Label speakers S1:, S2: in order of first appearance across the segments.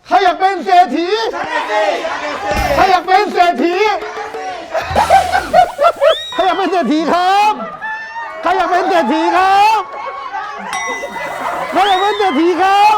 S1: ใครอยากเป็นเศรษฐีใครอยากเป็นเศรษฐีใครอยากเป็นเศรษฐีครับใครอยากเป็นเศรษฐีครับใครอยากเป็นเศรษฐีครับ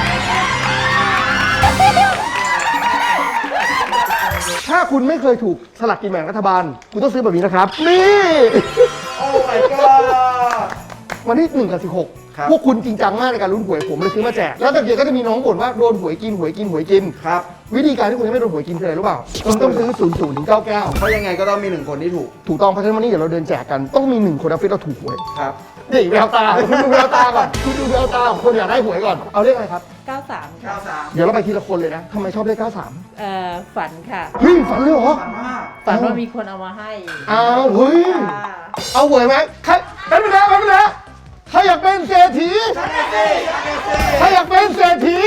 S1: ถ้าคุณไม่เคยถูกสลากกินแบ่งรัฐบาลคุณต้องซื้อแบบนี้นะครับนี่
S2: โอ้ my god
S1: วันที่1 กับ 16พวกคุณจริงจังมากในการลุ้นหวยผมเลยซื้อมาแจกแล้วตะเกียบก็จะมีน้องบ่นว่าโดนหวยกิน
S2: ครับ
S1: วิธีการที่คุณจะไม่โดนหวยกินคืออะไรรู้เปล่าคุณต้องซื้อ00 ถึง 99
S2: เพราะยังไงก็ต้องมี1คนที่ถูก
S1: ต้องเพราะฉะนั้นวันนี้เดี๋ยวเราเดินแจกกันต้องมี1คนออฟฟิศเราถูกหวย
S2: ครับ
S1: นี่แววตาคุณดูแววตาก่อนคุณดูแววตาของคนอยากได้หวยก่อนเอาเลขอะไรครับ
S3: 93ค่ะ
S1: เดี๋ยวเราไปทีละคนเลยนะทำไมชอบเลข93
S3: ฝันค่ะ
S1: เฮ้ยฝันเลยเหรอ
S3: ฝันว่ามีคนเอามาให้
S1: อ้าวเฮ้ยเอาหวยไหมใครเป็นไปแล้วใครอยากเป็นเศรษฐีใครอยากเป็นเศรษฐี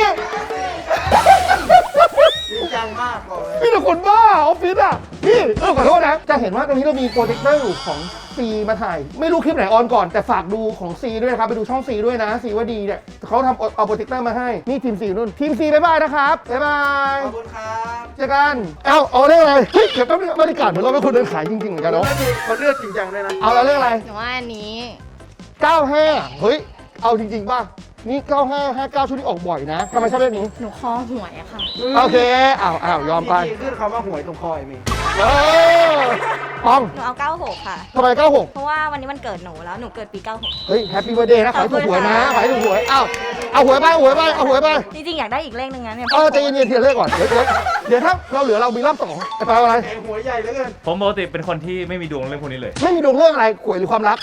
S2: จริงจังมากบอกเลย
S1: มีแต่คนบ้าออฟฟิศอ่ะนี่ขอโทษนะจะเห็นว่าตรงนี้เรามีโปรเจคเตอร์อยู่ของซีมาถ่ายไม่รู้คลิปไหนออนก่อนแต่ฝากดูของซีด้วยนะครับไปดูช่องซีด้วยนะซีว่าดีเนี่ยเขาทำเอาโปรเจคเตอร์มาให้นี่ทีมซีนู่นทีมซีบ๊ายบายนะครับบ๊ายบาย
S2: ขอบคุณครับ
S1: เจอกันเอาเรื่องอะไรเฮ้ยเดี๋ยวแป๊บนึงบรรยากาศเหมือนเราเป็นคนเดินขายจริงๆเหมือนกันเนาะ
S2: เขาเลือกจริงจังด้วยนะ
S1: เอาเรื่องอะไร
S4: หนูว่าอันนี้
S1: 95เฮ้ยเอาจริงๆป่ะนี่95 59ชุดนี้ออกบ่อยนะทำไมชอบเลขนี้
S4: หนูคอหวยอะค่ะ
S1: โอเคยอมไป
S2: ขึ้นคำว่าหวยตรงคอยมี
S1: ป้อง
S4: หนูเอา96ค่ะ
S1: ทำไม96
S4: เพราะว่าวันนี้มันเกิดหนูแล้วหนูเกิดปี96
S1: เฮ้ยแฮปปี้เบิร์ธเดย์นะขอให้ถูกหวยนะขอให้ถูกหวยเอาหวยไป
S4: จริงๆอยากได้อีกเลขนึงนะเนี่ย
S1: ใจเย็นๆทีละเลขก่อนเดี๋ยวถ้าเราเหลือเรามีรอบ2จะไปอะไร
S2: หวยใหญ่เหลือเกิน
S5: ผมปกติเป็นคนที่ไม่มีดวงเรื่องพวกนี้เลย
S1: ไม่มีดวงเรื่องอะไรหวยหรือความรัก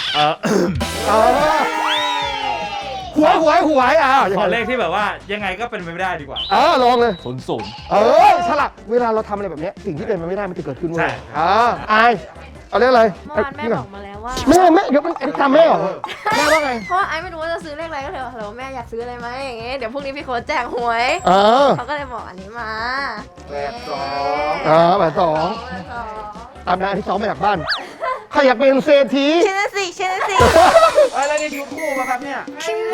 S1: หวย
S5: ขอเลขที่แบบว่ายังไงก็เป็นไปไม่ได้ดีกว่า
S1: ลองเลย
S5: 00
S1: ฉลาดเวลาเราทำอะไรแบบนี้สิ่งที่เป็นไปไม่ได้มันจะเกิดขึ้นเว้ยอายเอาเรื่องอะไร
S4: เมื่อวานแม่บอกมาแล้วว่า
S1: แม่เดี๋ยวมันทำแม่เหรอแม่ว่าไง
S4: เพราะไอ้ไม่รู้ว่าจะซื้อเลขอะไรก็เลยบอกฮัลโหลแม่อยากซื้ออะไรไหมอย่างเงี้ยเดี๋ยวพรุ่งนี้พี่โค้ชแจกหวยเขาก็เลยบอกอันนี้มา
S1: 82ตามนั้นที่2มาจากบ้านใครอยากเป็นเศรษฐี
S4: เชนสิ
S2: อะไรนี่ยูทูบป่ะครับเนี่ย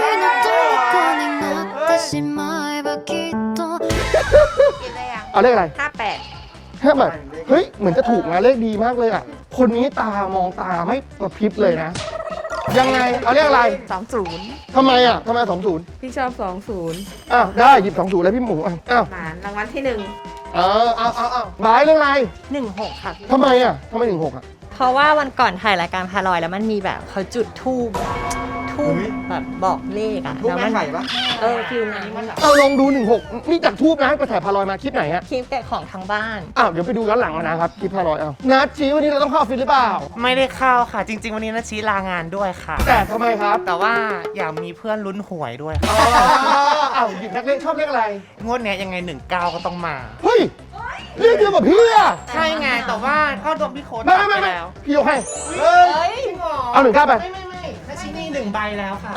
S1: เอาเลขอะไร
S4: 58
S1: เฮ้ยเหมือนจะถูกนะเลขดีมากเลยอ่ะคนนี้ตามองตาไม่กระพริบเลยนะยังไงเอาเลขอะไร
S4: 20
S1: ทำไม20
S4: พี่ชอบ20
S1: ได้หยิบ20แล้วพี่หมู
S4: มารางวัลที่
S1: 1บายเรื่องอะไร
S4: 16ค่ะ
S1: ทำไม16
S4: เพราะว่าวันก่อนถ่ายรายการพาลอยแล้วมันมีแบบเขาจุดธูปแบบบอกเลขอะ
S2: ทูบแม่ไข่ปะ
S4: ฟิลนั้นมันแบบ
S1: ลองดู16นี่จากทูบนะไปถ่ายพาลอยมาคลิปไหนฮะ
S4: คลิปแกะของทางบ้าน
S1: เดี๋ยวไปดูย้อนหลังนะครับคลิปพาลอยนัดชี้วันนี้เราต้องเข้าออฟฟิศหรือเปล่า
S6: ไม่ได้เข้าค่ะจริงๆวันนี้นัดชี้ลางานด้วยค่ะ
S1: แต่ทำไมครับ
S6: แต่ว่าอยากมีเพื่อนลุ้นหวยด้วยค่ะ
S1: หยิบนักเลขชอบเลขอะไร
S6: งวดนี้ยังไง19ก็ต้องมา
S1: เฮ้ยเรียกเดียวกับพี่อะ
S6: ใช่ไงแต่ว่าก็โดนพี่โค้ด
S1: ไปแล้วพี่ยกให้เอา19ไป
S6: นัดชี้นี่1ใบแล้วค่ะ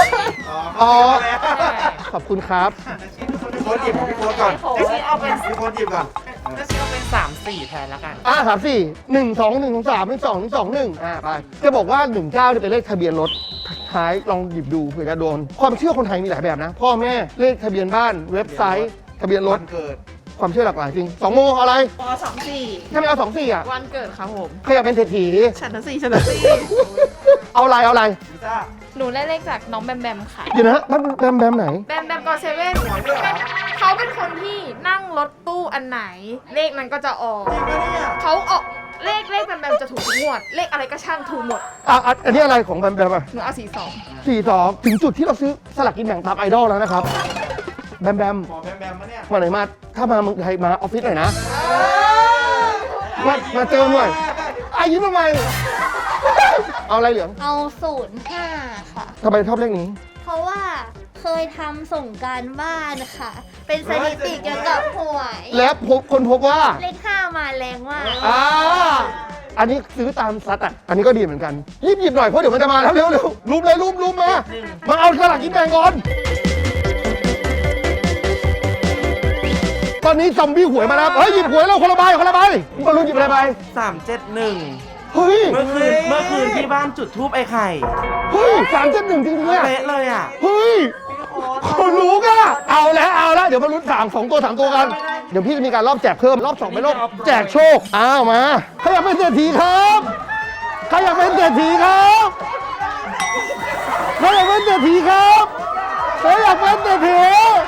S1: ขอบคุณครับ
S2: พี่โค้ดหยิบพี่โค้ดก่อน
S6: นัดชี้เอาเป็น
S2: พี่โค้ดหยิบก่อน
S6: นัดชี้เอาเป็น3-4แทนแล้วกัน
S1: 34 1 2 1 3 1 2 1 2 1ไปจะบอกว่า19เนี่ยเป็นเลขทะเบียนรถท้ายลองหยิบดูเผื่อจะโดนความเชื่อคนไทยมีหลายแบบนะพ่อแม่เลขทะเบียนบ้านเว็บไซต์ทะเบียนรถ
S2: เกิด
S1: ความเชื่อหลากหลายจริง2โมงอะไร
S4: 24
S1: ถ้าไม่เอา24
S4: วันเกิดครับผม
S1: ใครอยากเป็นเศรษฐี
S4: ฉันนะสิ
S1: เอาอะไร
S4: หนูได้เลขจากน้องแบมค่ะ
S1: เดี๋ยวนะแบมไหน
S4: แบมก็เซเว่นเขาเป็นคนที่นั่งรถตู้อันไหนเลขนั้นก็จะออกเขาออกเลขแบมจะถูกทุกงวดเลขอะไรก็ช่างถูกหมด
S1: อันนี้อะไรของแบม
S4: หนูเอา
S1: 42ถึงจุดที่เราซื้อสลากกินแบ่งตามไอดอลแล้วนะครับแบม
S2: มาเนี่ย
S1: วันไหนมาถ้ามาเมืองไทยมาออฟฟิศหน่อยนะมาเจอหน่อยยิ้มทำไมเอาอะไรเหลือง
S4: เอา05ค่ะ
S1: ทำไมชอบเลขนี้
S4: เพราะว่าเคยทำส่งการบ้านค่ะเป็นสถิติเกี่ยวกับหวย
S1: แล้วคนพบว่า
S4: เลข5มาแรงมาก
S1: อันนี้ซื้อตามซัดอันนี้ก็ดีเหมือนกันหยิบหน่อยเพราะเดี๋ยวมันจะมาแล้วเร็วรูปมาเอาสลากกินแบ่งก่อนตอนนี้ซอมบี้หวยมาแล้วหยิบหวยแล้วคนละใบมาลุ้นหยิบอะไรไป
S6: 371
S1: เฮ้ย
S6: เมื่อคืนที่บ้านจุดทูบไอ้ไข่
S1: เฮ้ย371จริงๆ
S6: เป๊ะเลย
S1: เฮ้ยโคคนรู้ก็เอาแล้วเดี๋ยวมาลุ้น2 ตัว 3 ตัวกัน เดี๋ยวพี่จะมีการรอบแจกเพิ่มรอบ2เป็นรอบแจกโชคอ้าวมาใครอยากเป็นเศรษฐีครับใครอยากเป็นเศรษฐีครับใครอยากเป็นเศรษฐีครับใครอยากเป็นเศรษฐี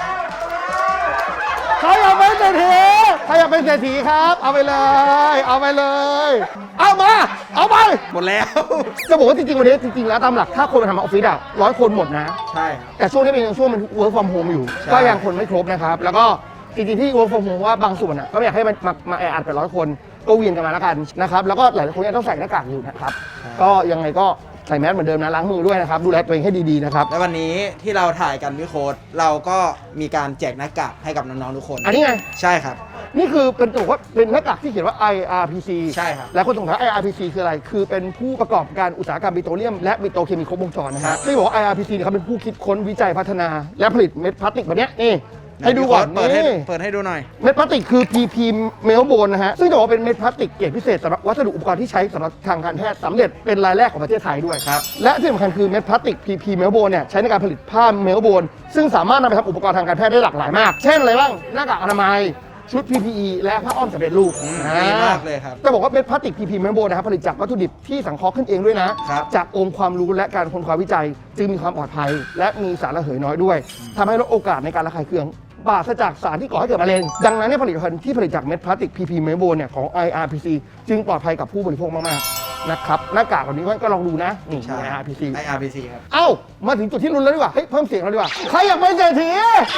S1: ใครอยากเป็นเศรษฐีใครอยากเป็นเศรษฐีครับเอาไปเลยเอาไปเลยเอามาเอาไป
S2: หมดแล้ว
S1: จะบอกว่าจริงๆวันนี้จริงๆแล้วตามหลักถ้าคนมาทำออฟฟิศอะ100 คนหมดนะ
S2: ใช่ครับ
S1: แต่ช่วงนี้เป็นช่วงมัน work from home อยู่
S2: ใช่
S1: ก็ยังคนไม่ครบนะครับ แล้วก็จริงๆที่ work from home ว่าบางส่วนอะก็ไม่อยากให้มาแออัดไป100 คนก็เวียนกันมาแล้วกันนะครับแล้วก็หลายคนยังต้องใส่หน้ากากอยู่นะครับก็ยังไงก็ใส่แมสเหมือนเดิมนะล้างมือด้วยนะครับดูแลตัวเองให้ดีๆนะครับ
S2: และวันนี้ที่เราถ่ายกันพี่โค้ดเราก็มีการแจกหน้ากากให้กับน้องๆทุกคน
S1: อันนี้ไง
S2: ใช่ครับ
S1: นี่คือเป็นตัวว่าเป็นหน้ากากที่เขียนว่า IRPC
S2: ใช่ครับ
S1: แล้วคนสงสัย IRPC คืออะไร คือเป็นผู้ประกอบการอุตสาหกรรมปิโตรเลียมและปิโตรเคมีครบวงจรนะ
S2: ครั
S1: ฮะ
S2: บ
S1: ที่บอกว่า IRPC เนี่ยเขาเป็นผู้คิดค้นวิจัยพัฒนา และผลิตเม็ดพลาสติกแบบเนี้ยนี่ให้ดูก่อน
S2: เปิดให้
S1: นี่
S2: เปิดให้ดูหน่อย
S1: เม็ดพลาสติกคือ PP เมลโบนนะฮะ ซึ่งจะบอกว่าเป็นเม็ดพลาสติกเกรดพิเศษสำหรับวัสดุอุปกรณ์ที่ใช้สำหรับทางการแพทย์สำเร็จเป็นรายแรกของประเทศไทยด้วย
S2: ครับ
S1: และที่สำคัญคือเม็ดพลาสติก PP เมลโบนเนี่ยใช้ในการผลิตผ้าเมลโบนซึ่งสามารถนำไปทำอุปกรณ์ทางการแพทย์ได้หลากหลายมาก เช่นอะไรบ้าง หน้ากากอนามัย ชุด PPE และผ้าอ้อมสำเร็จรูป
S2: ดีมากเลยครับ
S1: จะบอกว่าเม็ดพลาสติก PP เมลโบนนะครับผลิตจากวัตถุดิบที่สังเคราะห์ขึ้นเองด้วยนะ
S2: ครับ
S1: จากองค์ความรู้และการค้นคว้าวิจัย จึงมีความปลอดภัย และมีสารระเหยน้อยด้วยทำให้ลดโอกาสในการระคายเคืองปราศจากสารที่ก่อให้เกิดมะเร็ง ดังนั้นเนี่ยผลิตภัณฑ์ที่ผลิตจากเม็ดพลาสติก PP เมลโบนเนี่ยของ IRPC จึงปลอดภัยกับผู้บริโภคมากๆนะครับหน้ากากแบบนี้ก็ลองดูนะนี่
S2: ใช่
S1: IRPC
S2: IRPC ครับ
S1: เอ้ามาถึงจุดที่ลุ้นแล้วดีกว่าเฮ้ยเพิ่มเสียงเราดีกว่าใครอยากเป็นเศรษฐี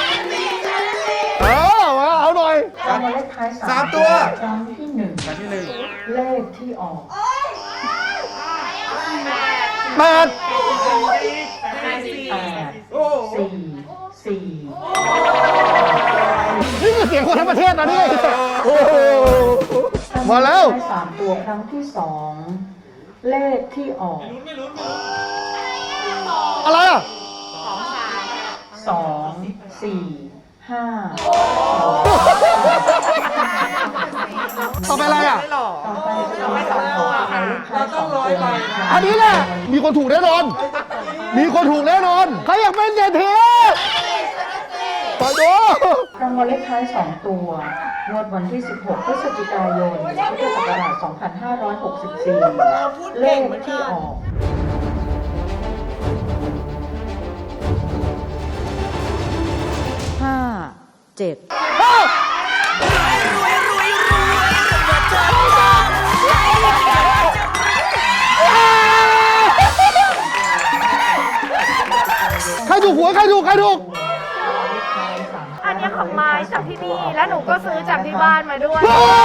S1: มาเอาหน่อย
S7: รางวัลเลขท้าย
S2: สามตัว
S7: ครั้งที่หนึ่ง
S2: ครั้งที่หนึ่ง
S7: เลขที่ออก
S1: แปด
S7: 8 4 4
S1: นี่คือเสียงคนทั้งประเทศนะนี่โอ้โหมาแล้ว
S7: รางวัลเลขท้าย3 ตัวครั้งที่สองเลขที่ออก
S1: อะไรอ่ะ
S7: 2 4 5
S1: ต่อไปอะไรอ่ะ
S7: ต่อไปรางวัลสองตัวหมายเลขท้าย2 ตัว
S1: อันนี้แหละมีคนถูกแน่นอน มีคนถูกแน่นอนใครอยากเป็นเศรษฐีไปดู
S7: รางวัลเลขท้าย2 ตัวงวดวันที่ 16 พฤศจิกายน พุทธศักราช 2564 เลขที่ออก 5 7
S1: ใครถูกหวยใครถูก
S4: อันนี้ของไม้จากที่นี่ และหนูก็ซื้อจากที่บ้านมาด้วย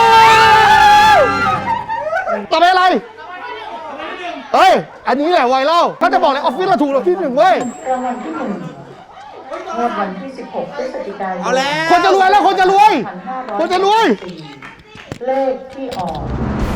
S1: ต่อไปอะไรเฮ้ย อันนี้แหละไวเล่าถ้าจะบอกเลยออฟฟิศเราถูกเราที่หนึ่งเว้ย
S7: รางวัลที่1งวดวันที่ 16 พฤศจิกายน
S2: เอาแล้ว
S1: คนจะรวยแล้วคนจะรวย คนจะรวย
S7: เลขที่ออก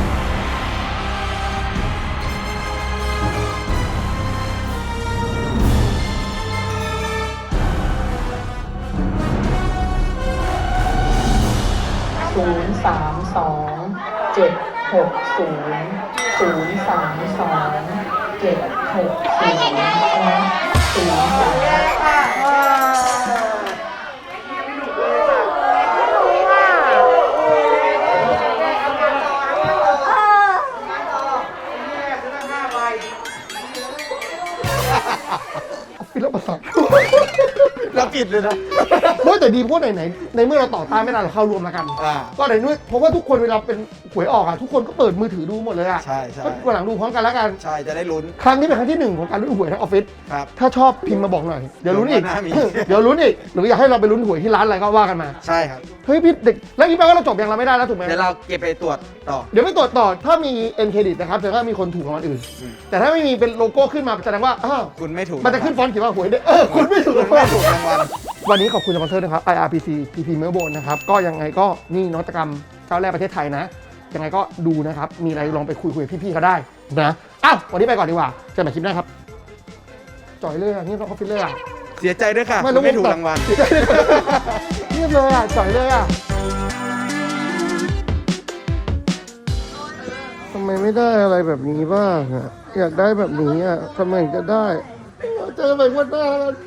S1: ฟิลประสาท
S2: เราผิดเลยนะ
S1: เฮ้ยแต่ดีเพราะไหนในเมื่อเราต่อต้านไม่ได้เราเข้ารวมแล้วกัน
S2: อ่า
S1: ก็ไหนนู้นเพราะว่าทุกคนเวลาเป็นหวยออกอ่ะทุกคนก็เปิดมือถือดูหมดเลยอ่ะ
S2: ใช่ใช่
S1: ก็วันหลังดูพร้อมกันแล้วกัน
S2: ใช่จะได้ลุ้น
S1: ครั้งนี้เป็นครั้งที่1ของการลุ้นหวยทั้งออฟฟิศ
S2: ครับ
S1: ถ้าชอบพิมพ์มาบอกหน่อยเดี๋ยวลุ้นอีก
S2: เดี๋ยววันหน้ามี
S1: เดี๋ยวลุ้นอีกหรืออยากให้เราไปลุ้นหวยที่ร้านอะไรก็ว่ากันมา
S2: ใช่ครับ
S1: เฮ้ยพี่เด็กแล้วนี่แปลว่าเราจบยังเราไม่ได้แล้วถูกไหม
S2: เดี๋ยวเราเก็บไปตรวจต่อ
S1: เดี๋ยวไม่ตรวจต่อถ้ามีเอ็นเครดิตนะครับแต่ถ้ามีคนถูกรางวัลอื่น แต่ถ้าไม่มีเป็นโลโก้ขึ้นมาแสดงว่าอ้าว
S2: คุณไม่ถูก
S1: มันจะขึ้นฟอนต์เขียนว่าหวยได้คุณไม่ถูก
S2: คุณไม่ถูกรางวัล
S1: วันนี้ขอบคุณสปอนเซอร์นะครับ IRPC PP Melbourne นะครับก็ยังไงก็นี่นวัตกรรมก้าวแรกประเทศไทยนะยังไงก็ดูนะครับมีอะไรลองไปคุยกับพี่ๆเขาได้นะอ้าววันนี้ไปก่อนดีกว่าเจอกันใหม่คลิปหน้าครับจ่อยเลยอ่ะนี่เราก็ฟิลเลยอ่ะ
S2: เสียใจด้วยค่ะ
S1: ไม่
S2: คุณไม่ถูกรางวัล
S1: เงียบเลยอ่ะจ่อยเลยอ่ะทำไมไม่ได้อะไรแบบนี้บ้างอ่ะอยากได้แบบนี้อ่ะทำไมจะได้เจอกันใหม่วันหน้าแล้ว